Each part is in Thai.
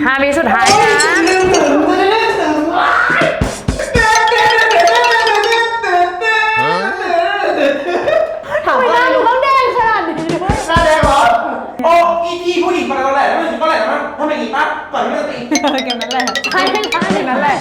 5 วิสุดท้ายนะถามว่าลูกต้องแดงขนาดนี้ด้วยหน้าแดงเหรอโอ้อีทีผู้หญิงมาตอนแรกแล้วมันถึงตอนแรกแล้วมันทำไมอีกปั๊บก่อนที่จะตีเกมนั้นแหละใช่นั้นแหละ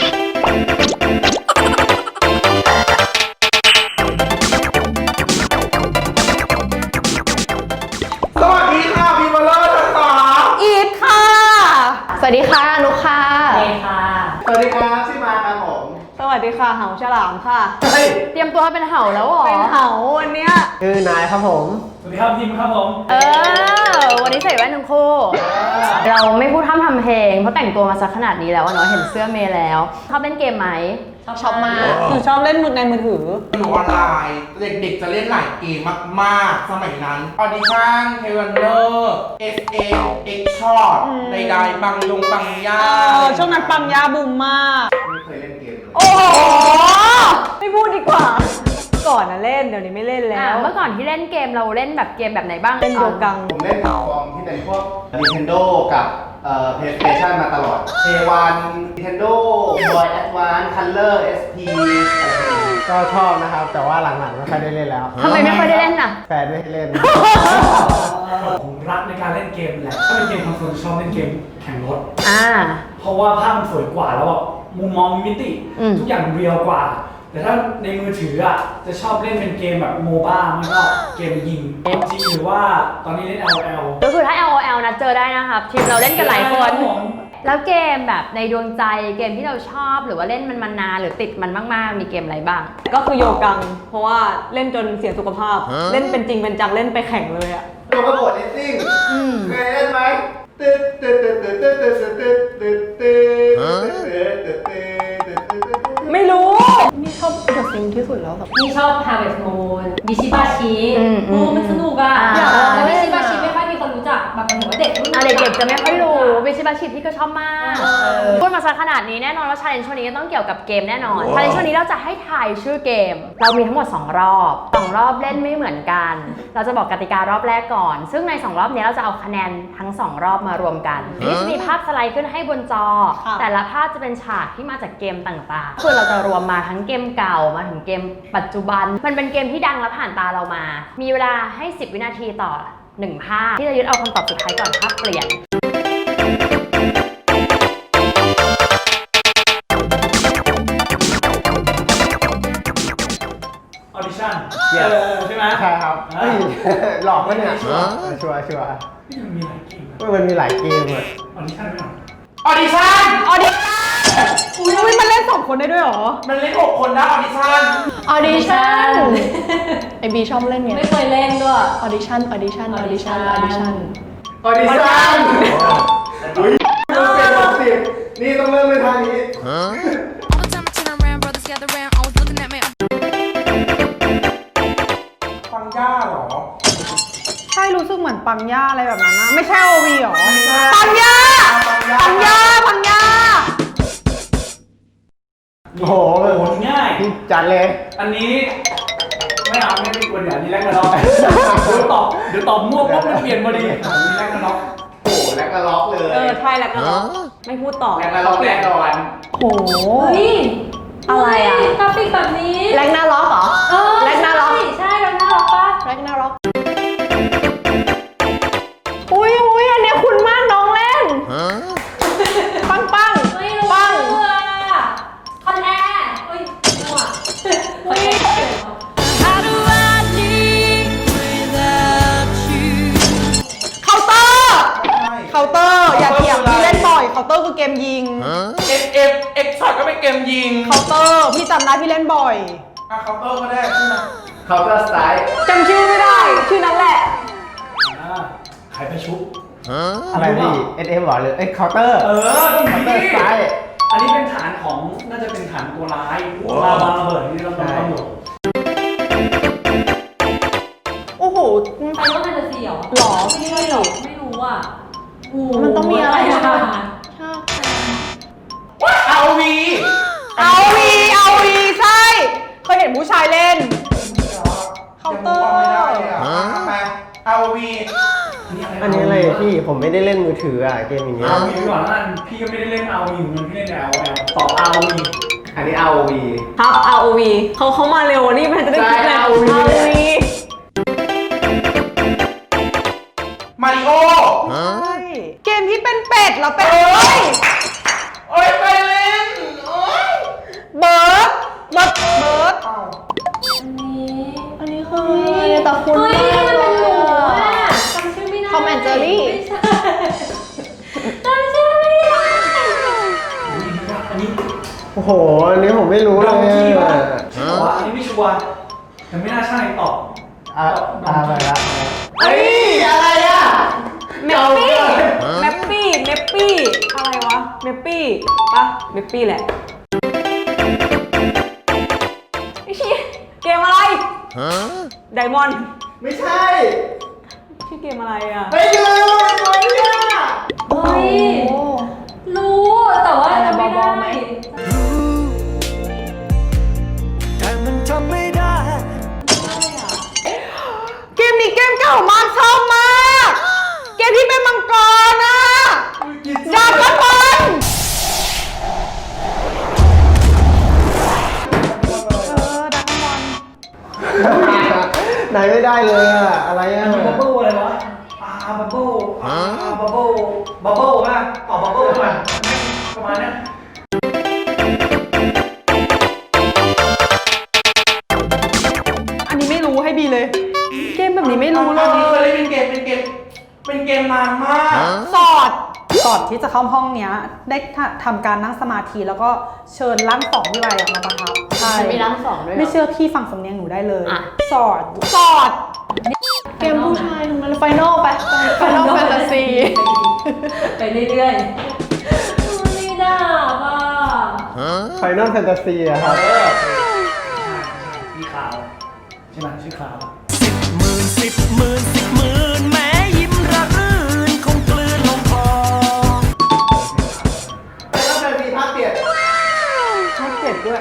สวัสดีค่ะพี่มาเลอร์ทั้งสองอีทค่ะสวัสดีค่ะนุกค่ะเมย์ค่ะสวัสดีครับชื่อมาครับผมสวัสดีค่ะเหาฉลามค่ะเฮ้ยเตรียมตัวเป็นเห่าแล้วเหรอเป็นเหาวันเนี้ยชื่อนายครับผมสวัสดีครับพิมครับผมวันนี้ใส่แว่นทั้งคู่ เราไม่พูดพร่ำทำเพลงเพราะแต่งตัวมาสักขนาดนี้แล้วเนาะเห็นเสื้อเมย์แล้วชอบเล่นเกมไหมชอบมากหนูชอบเล่นในมือถือหนูออนไลน์เด็กๆจะเล่นหลายเกมมากๆสมัยนั้นออดิชั่นเทวันเนอร์ SF X Shot ใดๆบังยงบังย่าช่วงนั้นปังยาบูมมากไม่เคยเล่นเกมเลยโอ้โหไม่พูดดีกว่า ก่อนนะเล่นเดี๋ยวนี้ไม่เล่นแล้วเมื่อก่อนที่เล่นเกมเราเล่นแบบเกมแบบไหนบ้างเล่นโยกังผมเล่นแพลตฟอร์มที่เป็นพวก Nintendo กับPlayStation มาตลอด J1 Nintendo Boy Advance Color SP ก็ชอบนะครับ แต่ว่าหลังๆไม่ค่อยได้เล่นแล้วทำไมไม่ค่อยได้เล่นน่ะแฟนไม่ให้เล่นผมรักในการเล่นเกมแหละถ้าเป็นเกมคอนโซลชอบเล่นเกมแข่งรถ เพราะว่าภาพมันสวยกว่าแล้วแบบมุมมองมิติ ทุกอย่างเรียลกว่า แต่ถ้าในมือถืออ่ะจะชอบเล่นเป็นเกมแบบโมบ้ามันก็เกมยิง PUBG หรือว่าตอนนี้เล่น LOL ก็คือถ้า LOL นะเจอได้นะครับทีมเราเล่นกันหลายคน แล้วเกมแบบในดวงใจเกมที่เราชอบหรือว่าเล่นมันมานานหรือติดมันมากๆมีเกมอะไรบ้างก็คือโยกัง เพราะว่าเล่นจนเสียสุขภาพ เล่นเป็นจริงเป็นจังเล่นไปแข่งเลยอะตัวกระโดดเลสซิ่งเคยเล่นไหมตึ๊ดตึ๊ดตึ๊ดตึ๊ดตึ๊ดตึ๊ดตึ๊ดตึ๊ดตึ๊ดตึ๊ดตึ๊ดตึ๊ดตึ๊ดไม่รู้นี่ชอบเดอะซิงที่สุดแล้วแบบนี่ชอบ Harvest Moon บิชิบาชิมันสนุกอ่ะอยากลองเล่บินชิบาชิไม่ค่อยมีคนรู้จักแบบหมายถึงว่าเด็กรุ่นเด็กๆจะไม่ค่อยรู้วิชิบาชิที่ก็ชอบมากพูดมาสักขนาดนี้แน่นอนว่าชาเลนจ์ช่วงนี้ก็ต้องเกี่ยวกับเกมแน่นอนชาเลนจ์ช่วงนี้เราจะให้ทายชื่อเกม เรามีทั้งหมด2รอบ2รอบเล่นไม่เหมือนกันเราจะบอกกติการอบแรกก่อน ซึ่งใน2รอบนี้เราจะเอาคะแนนทั้ง2รอบมารวมกันนี่จะมีภาพสไลด์ขึ้นให้บนจอ แต่ละภาพจะเป็นฉากที่มาจากเกมต่างๆคือเราจะรวมมาทั้งเกมเก่ามาถึงเกมปัจจุบันมันเป็นเกมที่ดังและผ่านตาเรามามีเวลาให้10 วินาทีต่อ1 ภาพที่จะยึดเอาคำตอบสุดท้ายก่อนภาพเปลี่ยน Audition ใช่ไหมใช่ครับเฮ้ยหลอกปะเนี่ยชัวร์ชัวร์นี่มันมีหลายเกมนะมันมีหลายเกมอะ Audition ไหมออดิชั่นออดิชั่นอุ้ยมันเล่น2 คนได้ด้วยเหรอมันเล่น6 คนนะออดิชั่นออดิชั่นไอบีชอบเล่นไงไม่เคยเล่นด้วยออดิชั่นออดิชั่นออดิชั่นออดิชั่นออดิชั่นอุ้ยต้องเป็น60นี่ต้องเริ่มในทางนี้ All the time I turn around, brothers gather round, always looking at me. ฟังย่าเหรอใช่รู้สึกเหมือนปังย่าอะไรแบบนั้นนะไม่ใช่โอวีหรอไม่ใช่ปังย่าปังย่าปังย่าโอ้โหโอ้โหง่ายพี่จัดเลยอันนี้ไม่เอาไม่ควรอย่างนี้แรกกระดอกเดี๋ยวตอบมั่วปุ๊บมันเปลี่ยนพอดีนี่แรกกระดอกโอ้โหแล้วก็ล็อกเลยใช่แล้วก็ไม่พูดต่อแล้วก็ล็อกแน่นอนโอ้โหนี่อะไรอ่ะกราฟิกแบบนี้แรงหน้าล็อกเหรอ แรงหน้าล็อกใช่แรงหน้าล็อกปะแรงหน้าล็อกอุ้ยอันเนี้ยคุณมากน้องเล่นปังไม่รู้ปังอ่ะคอนแอร์เฮ้ยมั่วคอนแอร์ How do I live without you? เคาน์เตอร์อย่าเถียงพี่เล่นบ่อยเคาน์เตอร์คือเกมยิง SF X Shot ก็เป็นเกมยิงเคาน์เตอร์พี่จำได้พี่เล่นบ่อยเคาน์เตอร์ก็ได้ใช่ไหม Counter Strike จำชื่อไม่ได้ชื่อนั้นแหละไข่ประชุบอะไรพี่ SM หรอหรือเคาน์เตอร์ต้องมี Counter Strike อันนี้เป็นฐานของน่าจะเป็นฐานตัวร้ายลาวาระเบิดที่เราต้องตำรวจโอ้โหไฟนอลแฟนตาซีเหรอหรอไม่พี่ใช่หรอไม่รู้อ่ะมันต้องมีอะไรใช่ไหม ชอบเอาวีเอาวีใช่เคยเห็นผู้ชายเล่น เคาน์เตอร์ไม่ได้เลยอ่ะมาเอาวีนี่อะไรอัอันนี้อะไรพี่ผมไม่ได้เล่นมือถืออ่ะเกมอย่างเงี้ยเอาวีก่อนแล้วกันพี่ก็ไม่ได้เล่นเอาวีเหมือนกันพี่เล่นแต่ LOL ตอบเอาวีอันนี้ ROV ครับ ROV เขามาเร็วนี่มันจะได้คิดเลยใช่ ROV ROV มาริโอใช่เกมที่เป็นเป็ดแล้วเป็นโอ้ยไปเล่นโอ้ยเบิร์ดอ้าวอันนี้คืออะไรแต่คุณเฮ้ยมันเป็นหมูอ่ะจำชื่อไม่ได้ทอมแอนด์เจอรี่ไม่ใช่จำชื่อไม่ได้อันนี้โอ้โห อันนี้ผมไม่รู้เลดองกี้ยป่ะอ่ะใช่ป่ะอันนี้ไม่ชัวร์แต่ไม่น่าใช่ตอบไปละเฮ้ยอะไรอ่ะเมปปี้อะไรวะเมปปี้ปะเมปปี้แหละไอ้ชี้เกมอะไรไดมอนด์ไม่ใช่ชื่อเกมอะไรอ่ะไม่ยืนตัวเนี่ยเฮ้ย รู้แต่ว่าอะไรจำไม่บอได้ลไหมแต่มันทำไม่ได้เกมนี้เกมเก่ามากชอบมาก เกมที่เป็นมังกรอ่ะดาบกับบอลดักบอลไหนไม่ได้เลยอ่ะ อะไรอ่ะอันนี้บับเบิ้ลอะไรวะบับเบิ้ลบับเบิ้ลบับเบิ้ลป่ะตอบบับเบิ้ลป่ะประมาณนี้อันนี้ไม่รู้ให้บีเลย เกมแบบนี้ไม่รู้เลอันนี้เคยยเล่นเป็นเกมนานมากก่อนที่จะเข้าห้องเนี้ยได้ทำการนั่งสมาธิแล้วก็เชิญร่างสองพี่ใบมาประทับใช่มันมีร่างสองด้วยเหรอไม่เชื่อพี่ฟังสำเนียงหนูได้เลยอ่ะสอดเกมผู้ชายทั้งนั้นไฟนอลไปไฟนอลแฟนตาซีไปเรื่อยๆไม่ได้ป่ะ Final Fantasy อะครับพี่ขาวใช่ไหมชื่อขาว 10,000 แม้ยิ้มระรื่นคงกลืนลงคอ Final Fantasy ภาคเจ็ดภาค7ด้วย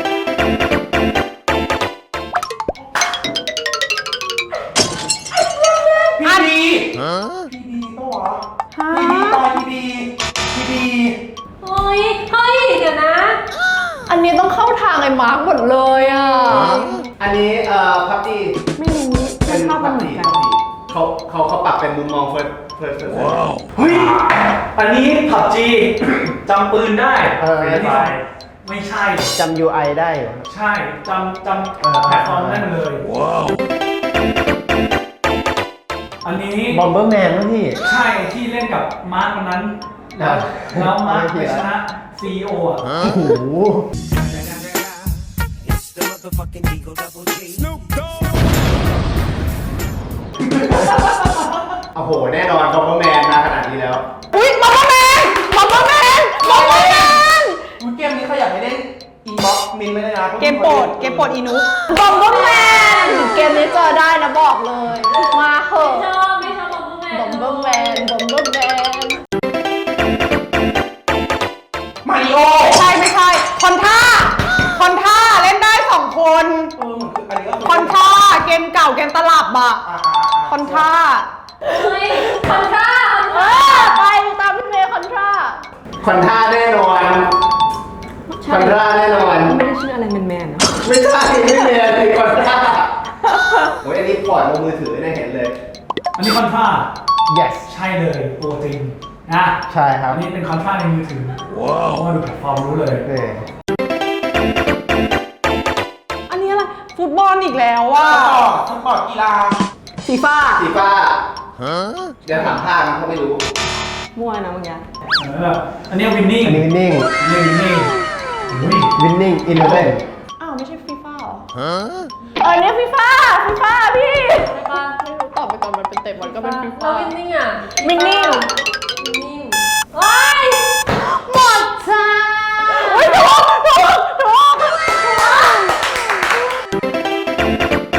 พี่ดีปะวะพี่ดีตอนพี่ดีเฮ้ยเดี๋ยวนะอันนี้ต้องเข้าทางไอ้มาร์กหมดเลยอ่ะอันนี้พับจีไม่รู้ไม่ชอบมันเหมือนกันเขาปรับเป็นมุมมอง first person เฮ้ยอันนี้ผับจีจำปืนได้เออนนี้ไม่ใช่จำ UI ได้อยู่ใช่จำแพลตฟอร์มได้เลย อันนี้ Bomberman นะพี่ใช่ที่เล่นกับมาร์ควันนั้น แล้วมาร์คไปชนะ CEO อ่ะโอ้โห It's the motherfucking Eagle Double G. Snoop Dogg. โอ้โห แน่นอน Bomberman มาขนาดนี้แล้วอุ้ยบอมเบอร์แมนอุ๊ยเกมนี้ใครอยากให้เล่นอินบ็อกซ์มินไม่ได้นะเกมโปรดอีนุบอมเบอร์แมนเกมนี้เจอได้นะบอกเลย มาเหอะไม่ชอบบอมเบอร์แมนบอมเบอร์แมนมาริโอไม่ใช่ คอนท่าเล่นได้2 คนอันนี้ก็คอนท่าเกมเก่าเกมตลับอะคอนท่าเฮ้ยคอนทราไปตามพี่เมย์คอนท่าคอนท่าแน่นอนคอนท่าแน่นอนไม่ได้ชื่ออะไรแมนๆนะไม่ใช่ไม่มีอะไรคอนท่าโอ้ยอันนี้ปล่อยลงมือถือเนี่ยเห็นเลยอันนี้คอนทรา yes ใช่เลยตัวจริงนะใช่ครับอันนี้เป็นคอนทราในมือถือว้าวมาดูแพลตฟอร์มรู้เลยนี่อันนี้อะไร ฟุตบอลอีกแล้วว่ะสปอร์ตกีฬาฟีฟ่าสีฟ้าเดี๋ยวถามภาคนะเขาไม่รู้มั่วนะเมื่อกี้อันนี้วินนิ่งอันนี้ winning วินนิ่งอุ้ย winning 11 อ้าวไม่ใช่ฟีฟ่าเหรออันนี้ฟีฟ่าพี่ใช่ปะไม่รู้ตอบไปก่อนมันเป็นเตะบอลก็เป็นฟีแล้ฟ่าววินนิ่งอ่ะวินนิ่งวินนิ่งว้ายหมดจ้าเฮ้ยถูก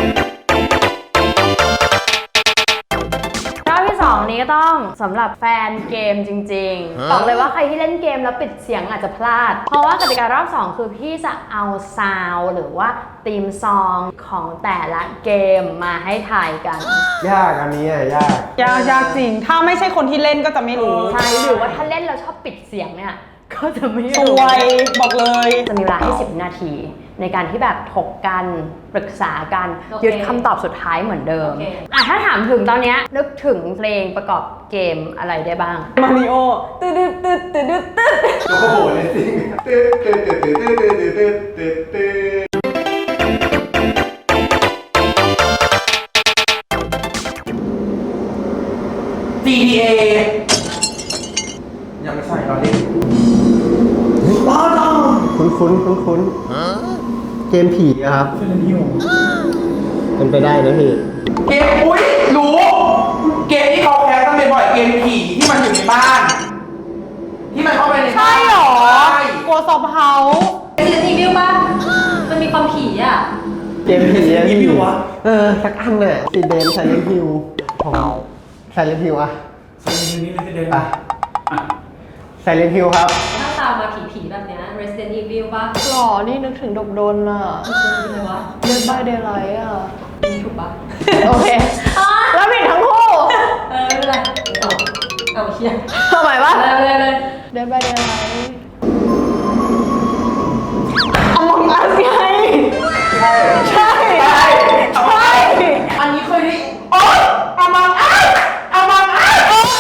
รอบที่ 2 นี้ก็ต้องสำหรับแฟนเกมจริงๆบอกเลยว่าใครที่เล่นเกมแล้วปิดเสียงอาจจะพลาดเพราะว่ากติการอบ2คือพี่จะเอาซาวด์หรือว่าธีมซองของแต่ละเกมมาให้ถ่ายกันยากอันนี้อ่ะยากยากจริง ถ้าไม่ใช่คนที่เล่นก็จะไม่รู้ใช่หรือว่าถ้าเล่นแล้วชอบปิดเสียงเนี่ยก็จะไม่สรู้วยบอกเลยจะมีเวลาให้10 นาทีในการที่แบบถกกันปรึกษากันยึดคำตอบสุดท้ายเหมือนเดิมถ้าถามถึงตอนเนี้ยนึกถึงเพลงประกอบเกมอะไรได้บ้างมาริโอตึ๊ดตึ๊ดตึ๊ดตึ๊ดตึ๊ดโอ้โหเลยสิตึ๊ดตึ๊ดตึ๊ดตึ๊ดตึ๊ดตึ๊ดตึ๊ดตึ๊ด GTA ยังไม่ใช่เราเล่นคุ้นเกมผีอะครับ เป็นไปได้นะพี่เกมอุ้ยรู้ เกมที่เขาแคสกันบ่อยๆเกมผีที่มันอยู่ในบ้าน ที่มันเข้าไปในบ้านใช่หรอใช่โกซอฟเฮาส์เป็นรีวิวป่ะมันมีความผีอ่ะเกมผีอะรีวิววะสักอันน่ะซีเดนไซเลนฮิวของไซเลนฮิวอะซีรีส์นี้เลยจะเดินไปไซเลนฮิวครับถ้าตามมาผีๆแบบเนี้ย Resident Evil ป่ะหล่อนี่นึกถึงดบดนอ่ะ Resident Evil วะ Dead by Daylight อ่ะถูกป่ะโอเค แล้วผิดทั้งคู่ไม่เป็นไรเอาเชียร์ทำไมวะเลย Dead by Daylight Among Us ไง ใช่ ใช่อันนี้เคยได้โอ๊ยอามังอัสอามังอัส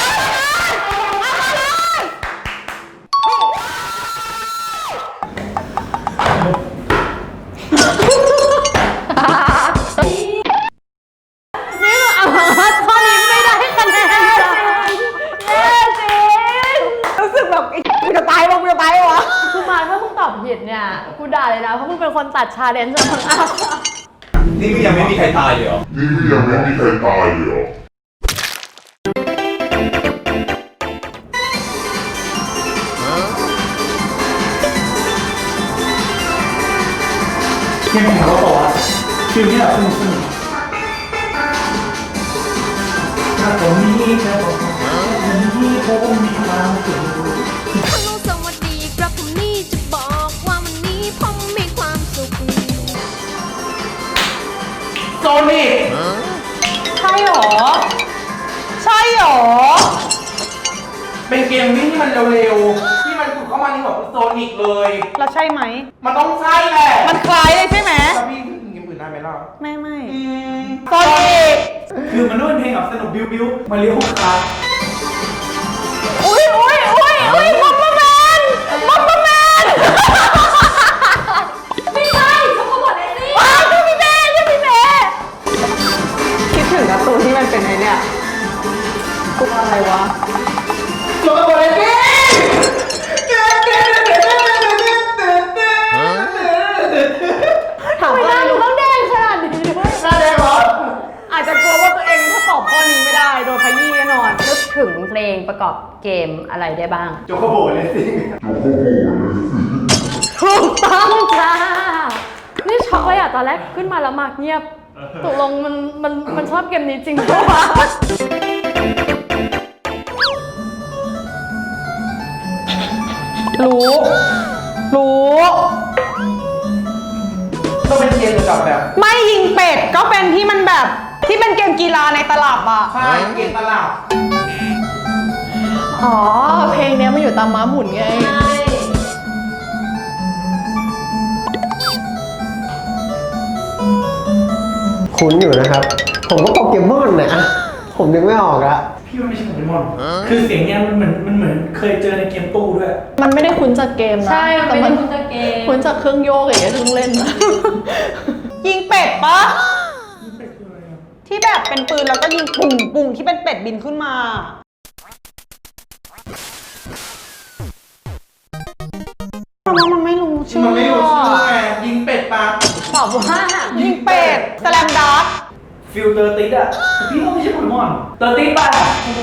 นี่คือเอามาข้อนี้ไม่ได้คะแนนจ้ะเย้จริงรู้สึกแบบกูจะตายวะคือมาถ้ามึงตอบผิดเนี่ยกูด่าเลยนะเพราะมึงเป็นคนตัดชาเลนจ์ของอัพนี่ก็ยังไม่มีใครตายเลยเหรอเกมผีเขาบอกว่าฟิลที่แบบสนุกแค่ผมมีความสุขฮัลโหลสวัสดีครับผมนี่จะบอกว่าวันนี้ผมมีความสุขโซนิกใช่หรอ ใช่หรอเป็นเกมวิ่งที่มันเร็วๆ ที่มันถูกเข้ามาในหัวโซนิกเลยเราใช่ไหมมันต้องใช่แหละมันคล้ายเลยใช่ไหมแล้วพี่ถึงเกมอื่นได้ไหมล่ะไม่โซนิกคือมันต้องเป็นเพลงแบบสนุกบิ้วมาเลี้ยวคาอุ้ยมอมแมนไม่ใช่เขาก็บอกได้สิว้าวชื่อพี่เมย์คิดถึงการ์ตูนที่มันเป็นไอเนี่ยกูอะไรวะโซนิกเลยพี่ถามไม่ว่าได้หนูต้องแดงขนาดนี้ด้วยหน้าแดงเหรออาจจะกลัวว่าตัวเองถ้าตอบข้อนี้ไม่ได้โดนขยี้แน่นอนนึกถึงเพลงประกอบเกมอะไรได้บ้างโจโคโบเลยสิถูกต้องจ้า นี่ช็อกเลยอ่ะ ตอนแรกขึ้นมาแล้วมากเงียบตกลงมันชอบเกมนี้จริงปะวะรู้ต้องเป็นเกมเกี่ยวกับแบบไม่ยิงเป็ดก็เป็นที่มันแบบที่เป็นเกมกีฬาในตลับอ่ะใช่เกมตลาดอ๋อ เพลงเนี้ยมันอยู่ตามม้าหมุนไงใช่คุ้นอยู่นะครับ ผมก็โปเกมอนนะผมนึกไม่ออกอะพี่ว่าไม่ใช่โปเกมอน คือเสียงเนี้ยมันเหมือนเคยเจอในเกมตู้ด้วยมันไม่ได้คุ้นจากเกมนะใช่มันแต่ไม่มัได้นคุณจะเกมคุ้นจากเครื่องโยกอย่างเงี้ยที่ต้องเล่นนะยิงเป็ดปะที่แบบเป็นปืนแล้วก็ยิงปุ่งที่เป็นเป็ดบินขึ้นมาเพราะว่ามันไม่รู้ชื่อมันไม่รู้ชื่อไงยิงเป็ดปะตอบว่ายิงเป็ดสแลมดาร์กฟิลเตอร์ติดอ่ะแต่พี่ว่าไม่ใช่โปเกมอนเตอร์ติดป่ะ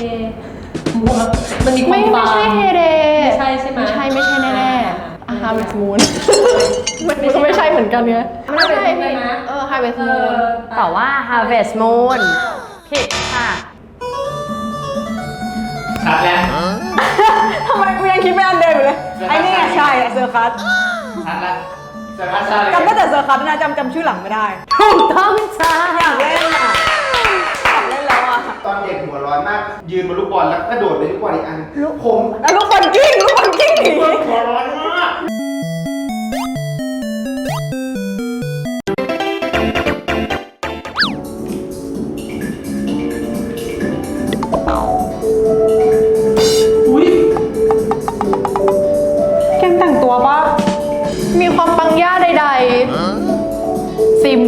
มันมีความไม่ใช่เฮเดไม่ใช่ใช่ไหมไม่ใช่แน่ๆ Harvest Moon มันก็ไม่ใช่เหมือนกันไงไม่ใช่ใช่ไหม Harvest เอ Moon อตอบว่า Harvest Moon ผิดค่ะชัดแล้วทำไมกูยังคิดไม่อันเดิมอยู่เลยไอ้นี่ไงใช่เซอร์คัสชัดแล้วเซอร์คัสชัดเลยจำได้แต่เซอร์คัสนะจำชื่อหลังไม่ได้ถูกต้องจ้าอยากเล่นอ่ะอยากเล่นแล้วอ่ะตอนเด็กหัวร้อนมาก ยืนบนลูกบอลแล้วกระโดดไปลูกบอลอีกอันผมแล้วลูกบอลกิ้งหนีหัวร้อนมากอุ้ยเกมแต่งตัวปะมีความปังย่าใดๆ ซิม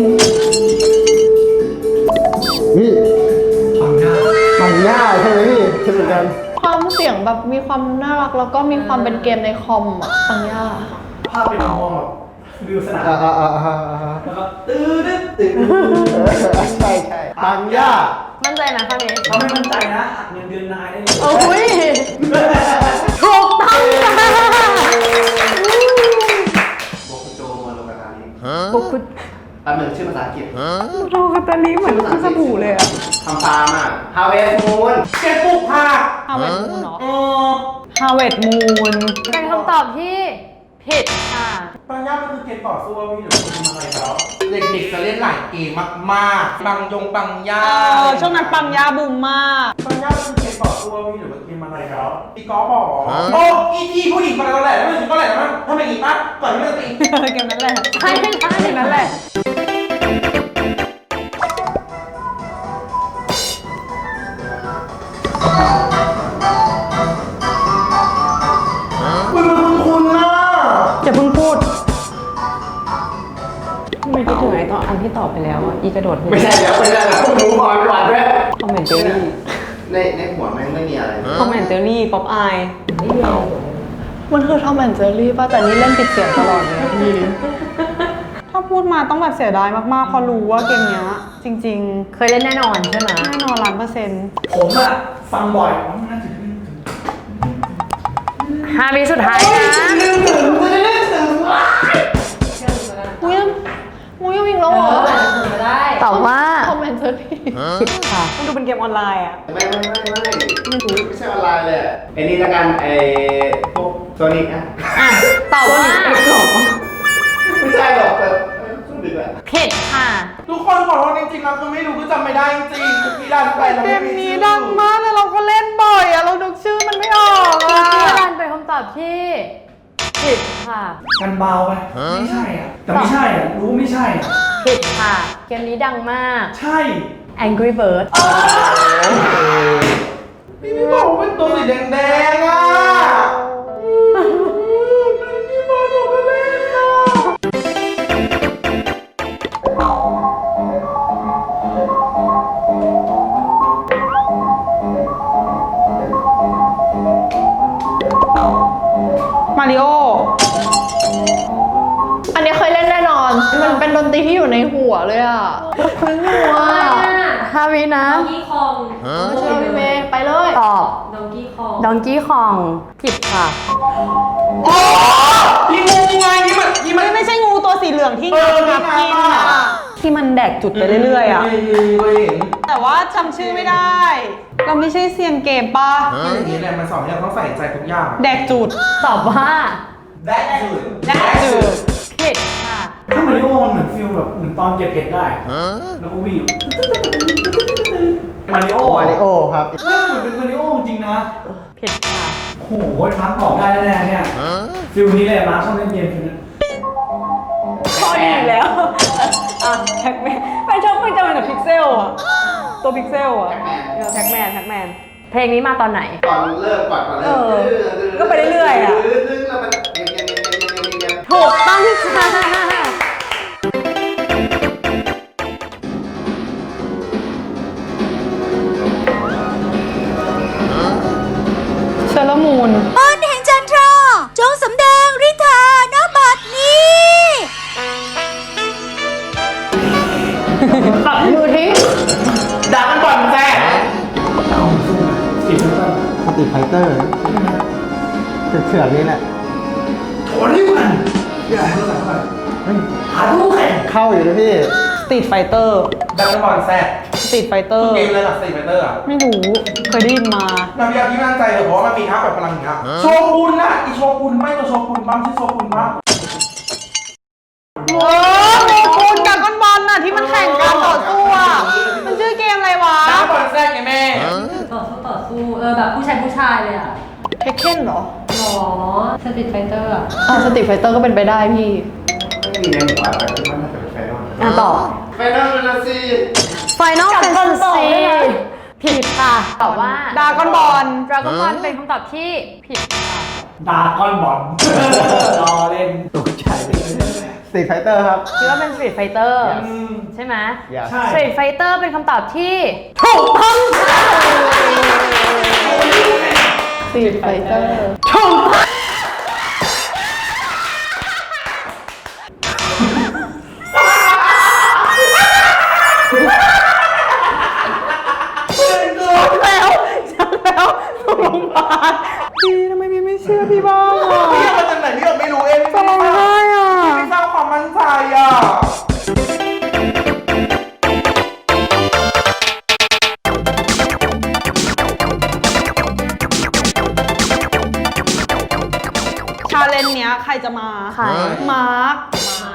นี่ปังหน้าปังย่าใช่ไหมพี่ใช่เหมือนกันความเสียงแบบมีความน่ารักแล้วก็มีความเป็นเกมในคอมอ่ะปังย่าภาพเป็นมองแบบวิวสนาม แล้วก็ตื้อดึ๊ดตื้อใช่ใช่ปังย่ามั่นใจไหมข้อนี้เราไม่มั่นใจนะหักเงินเดือนนายได้เลยโอ้ยถูกต้องจ้าโบคุโจโมโนกาตาริบุกคุณตามหนึ่งชื่อภาษาอังกฤษโรกาตาลีเหมือนสบู่เลยอ่ะทำตามอ่ะ Harvest Moon เก็บปลูกผักฮาวเวิร์ดมูนเนาะเออฮาวเวิร์ดมูนเป็นคำตอบที่ผิดค่ะปังย่ามันคือเกมต่อสู้ว่าพี่หรือคุณทำอะไรแล้วเด็กๆจะเล่นหลายเกมมากๆปังย่าช่วงนั้นปังยาบูมมากปังย่ามันคือเกมต่อสู้ว่าพี่หรือว่าเกมอะไรแล้วตีกอล์ฟบอกโอ้อีทีผู้หญิงมาแล้วแหละแล้วมันถึงก็แหละนะทำไมอีกปะก่อนที่มันจะตีเกมนั้นแหละใช่ใช่นั่นแหละคุณน่ะอย่าเพิ่งพูดไม่คิดถึงไอ้ตอนอันที่ตอบไปแล้วอ่ะอีกระโดดไม่ใช่แล้วดูบอลก่อนด้วยคอมเมนเจอรี่ในหัวแม่งไม่มีอะไรคอมเมนเจอรี่ป๊อปอายมันคือทอมแอนด์เจอรี่ป่ะแต่นี่เล่นปิดเสียงตลอดเลยอะพี่ถ้าพูดมาต้องแบบเสียดายมากๆเพราะรู้ว่าเกมเนี้ยจริงเคยเล่นแน่นอนใช่ไหมๆแน่นอน100% ผมอะฟังบ่อยน่าจะ 5 วิสุดท้ายนะมุ้ยยังวิ่งแล้วเหรอมาได้ตอบว่าทอมแอนด์เจอรี่ผิดค่ะมันดูเป็นเกมออนไลน์อ่ะไม่ใช่ออนไลน์เลยไอ้นี่ละกันไอ้พวกโซนิกนะอ่ะ ตอบว่าไม่ใช่หรอกแต่โซนิกแหละผิดค่ะทุกคนขอโทษจริงๆแล้วคือไม่รู้คือจำไม่ได้จริงๆพี่ดันไปแล้วเกไม่มมีนี้ชื่อดังมากเลยเราก็เล่นบ่อยอ่ะเรานึกชื่อมันไม่ออกคุอ่ะณพี่รันเป็นคำตอบที่ผิดค่ะกันเบาไปไม่ใช่อ่ะแต่ไม่ใช่อ่ะรู้ไม่ใช่อ่ะผิดค่ะ เกมนี้ดังมากใช่ Angry Bird พี่ไม่บอกว่าเป็นตัวสีแดงๆอ่ะพี่บอกหนูก็เล่นอ่ะมาริโออันนี้เคยเล่นแน่นอน มันเป็นดนตรีที่อยู่ในหัวเลยอ่ะคุ้นหัว 5 วินะดองกี้คองไม่ใช่พี่เมย์ไปเลยตอบดองกี้คอง Donkey Kong ผิดค่ะโอ้พี่งูไงนี่มันไม่ใช่งูตัวสีเหลืองที่เอองับกินที่งับอ่ะอะที่มันแดกจุดไปเรื่อยๆอ่ะก็เห็นแต่ว่าจำชื่อไม่ได้ เราไม่ใช่เซียนเกมป่ะอย่างนี้แหละมันสอนให้เราต้องใส่ใจทุกอย่างแดกจุดตอบว่าแดกจุดแดกจุดผิดค่ะถ้ามาริโอมันเหมือนฟิลแบบเหมือนตอนเก็บเห็ดได้แล้วก็วิ่งมาริโอมาริโอครับเออเหมือนเป็นมาริโอจริงนะผิดค่ะโอ้โหมาร์คตอบได้แน่ๆเนี่ยฟิลนี้เลยมาร์คชอบเล่นเกมฟิลนี้ข้อดีอยู่แล้ว อ่ะแท็กแมนไม่ชอบไม่จำเป็นกับพิกเซลอ่ะ ตัวพิกเซลอ่ะแท็กแมนเพลงนี้มาตอนไหนก่อนเริ่มก็ไปเรื่อยๆอ่ะแล้วมันเงียบถูกต้องค่ะเชอร์ลมูนมนต์แห่งจันทราจงสำแดงฤทธาณบัดนี้ขับมือทิ้งด่ากันก่อนแซ่สตีฟเฟอร์สตรีทไฟเตอร์เถื่อนนี่แหละโถนี่มันอย่าให้เราหาดูแข่งเข้าอยู่นะพี่สตรีทไฟเตอร์ด่ากันก่อนแซ่สตรีทไฟเตอคือร์เกมอะไรล่ะสตรีทไฟเตอร์อ่ะไม่รู้เคยได้ยินมาเราพี่อาที่มั่นใจเลยเพราะว่ามันมีท่าแบบพลังอย่างเงี้ยโชกุนน่ะอีโชกุนไม่ตัวโชกุนบ้างชื่อโชกุนบ้างโมกุนกับก้อนบอลน่ะที่มันแข่งกันต่อสู้อ่ะมันชื่อเกมอะไรวะน้ำบอลแทรกไงแม่ต่อสู้แบบผู้ชายเลยอ่ะเทคเคนเหรอหรอสตรีทไฟเตอร์อ่ะสตรีทไฟเตอร์ก็เป็นไปได้พี่ไม่มีในหัวแต่คิดว่าน่าจะเป็นไฟนอลต่อไฟนอลนะสิ Final Fantasy ผิดค่ะตอบว่าดากอนบอล Dragon Ball เป็นคำตอบที่ผิดค่ะดาก้อนบอลรอเล่นตกใจสตรีทไฟเตอร์ครับคิดว่าเป็น Street Fighter ใช่ไหม Yes ใช่ Street Fighter เป็นคำตอบที่ถูกต้องค่ะสตรีทไฟเตอร์ถูกต้องพี่ทำไมพี่ไม่เชื่อพี่บ้างอ่ะพี่มาจากไหนพี่ไม่รู้เองจะร้องไห้อ่ะพี่ไม่สร้างความมั่นใจอ่ะชาเลนจ์เนี้ยใครจะมาใครมาร์ค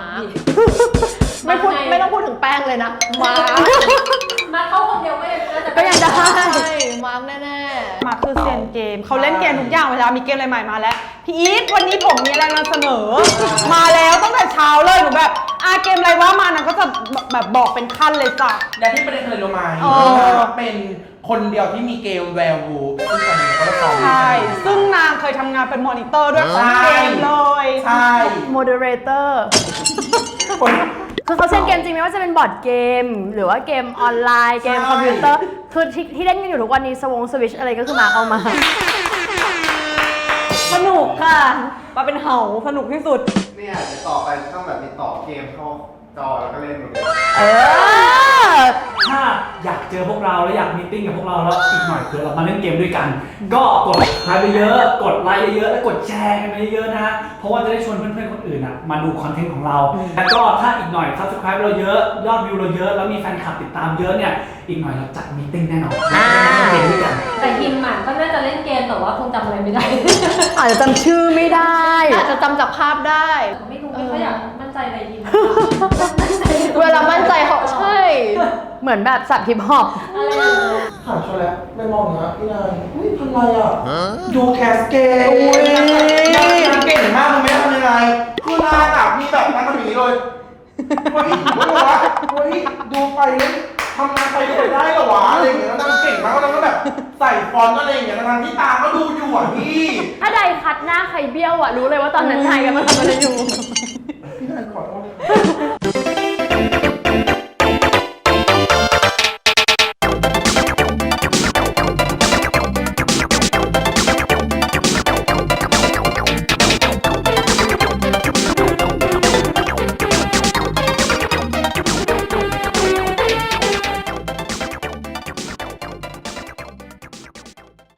ไม่ต้องพูดถึงแป้งเลยนะ มาร์คมาเข้าคนเดียวก็ยังน่าจะก็ยังได้ใช่มาร์คแน่มาร์คคือเซียนเกมเขาเล่นเกมทุกอย่างเวลามีเกมอะไรใหม่มาแล้วพี่อีทวันนี้ผมมีอะไรนำเสนอ มาแล้วตั้งแต่เช้าเลยหนูแบบเกมอะไรว่ามานะก็จะแบบบอกเป็นขั้นเลยจ้ะและที่ประเด็นเคยรู้ไหมอ๋อเป็นคนเดียวที่มีเกมแวร์วูฟซึ่งตอนนี้ก็ได้ของใช่ซึ่งนางเคยทำงานเป็นมอนิเตอร์ด้วยของเกมเลยใช่ Moderator คือเขาเล่นเกมจริงไม่ว่าจะเป็นบอร์ดเกม หรือว่าเกมออนไลน์เกมคอมพิวเตอร์คือที่เล่นกันอยู่ทุกวันนี้สวิชอะไรก็คือมาเอามาสนุกค่ะมาเป็นเห่าสนุกที่สุดเนี่ยเดี๋ยวต่อไปต้องแบบมีต่อเกมเข้าจอแล้วก็เล่นแบบนี้ถ้าอยากเจอพวกเราแล้วอยากมีตติ้งกับพวกเราแล้วอีกหน่อยเผื่อเรามาเล่นเกมด้วยกัน ก็กดไลค์ไปเยอะกดไลค์เยอะๆและกดแชร์กันไปเยอะๆนะเพราะว่าจะได้ชวนเพื่อนๆคนอื่นอ่ะมาดูคอนเทนต์ของเราแล้วก็ถ้าอีกหน่อย Subscribe เราเยอะยอดวิวเราเยอะแล้วมีแฟนคลับติดตามเยอะเนี่ยอีกหน่อยเราจัดมีตติ้งแน่นอนเล่นเกมด้วยกันแต่ฮิมอ่ะก็น่าจะเล่นเกมแต่ว่าคงจำอะไรไม่ได้อาจจะจำชื่อไม่ได้อาจจะจำจากภาพได้ไม่รู้ไม่ค่อยอยากมั่นใจในฮิมเวลามั่นใจเขาใช่เหมือนแบบสับฮิปฮอปอะไรอย่างเงี้ยถามชแล้วไม่มองนะพี่นายอุ้ยทำไรอ่ะดูแคสเกมนางเก่งมากเลยไม่ทำยังไงคือนางอ่ะมีแบบนางทำอย่างนี้เลยเฮ้ยไม่รู้วะเฮ้ยดูไปเลยทำงานไปด้วยได้เหรอวะอะไรอย่างเงี้ยนางเก่งมากแล้วนางก็แบบใส่ฟอนต์อะไรอย่างเงี้ยนางที่ตาก็ดูอยู่อ่ะพี่ถ้าใดคัดหน้าใครเบี้ยวอ่ะรู้เลยว่าตอนนั้นนายกำลังทำอะไรอยู่พี่นายขอโทษ